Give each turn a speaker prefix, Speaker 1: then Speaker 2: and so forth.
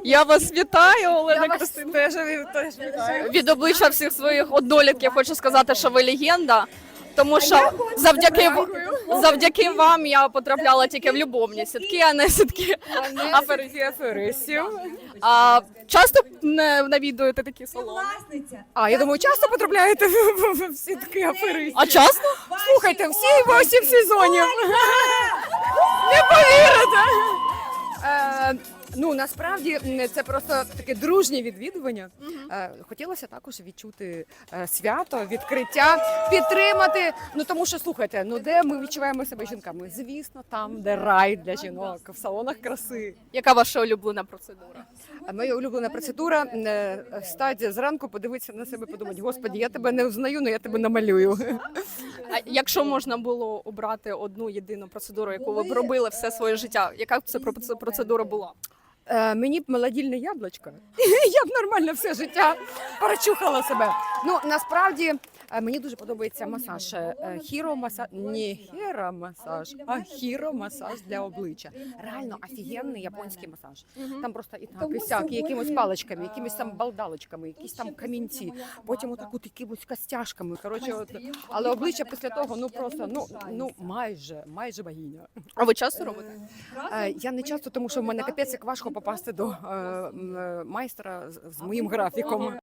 Speaker 1: Я вас вітаю, Олена
Speaker 2: Я вас
Speaker 1: Костянтинівна.
Speaker 2: теж вітаю.
Speaker 1: Від обличчя всіх своїх однолітків хочу сказати, що ви легенда. Тому що завдяки вам я потрапляла тільки в любовні сітки, а не сітки
Speaker 2: Аферистів.
Speaker 1: часто навідуєте такі салони?
Speaker 2: А, я думаю, часто потрапляєте в сітки аферистів?
Speaker 1: А часто?
Speaker 2: Слухайте, всі 8 сезонів. Не повірите. Ну, насправді, це просто таке дружнє відвідування. Хотілося також відчути свято, відкриття, підтримати. Ну, тому що, слухайте, ну де ми відчуваємо себе жінками? Звісно, там, де рай для жінок, в салонах краси.
Speaker 1: Яка ваша улюблена процедура?
Speaker 2: Моя улюблена процедура – стати зранку, подивитися на себе, подумати, господи, я тебе не взнаю, але я тебе намалюю.
Speaker 1: А якщо можна було обрати одну єдину процедуру, яку ви б робили все своє життя, яка б це процедура була?
Speaker 2: Мені б молодільне яблучко, я б нормально все життя прочухала себе. Ну, насправді, мені дуже подобається масаж. Хіромасаж, не хіромасаж, а хіромасаж для обличчя. Реально офігенний японський масаж. Там просто і так, і сяк, і якимось паличками, якимись там балдалочками, якісь там камінці, потім отак от якимось костяшками. Коротше, але обличчя після того, ну просто, ну майже богиня.
Speaker 1: А ви часто робите?
Speaker 2: Я не часто, тому що в мене капець як важко попасти до майстра з моїм графіком.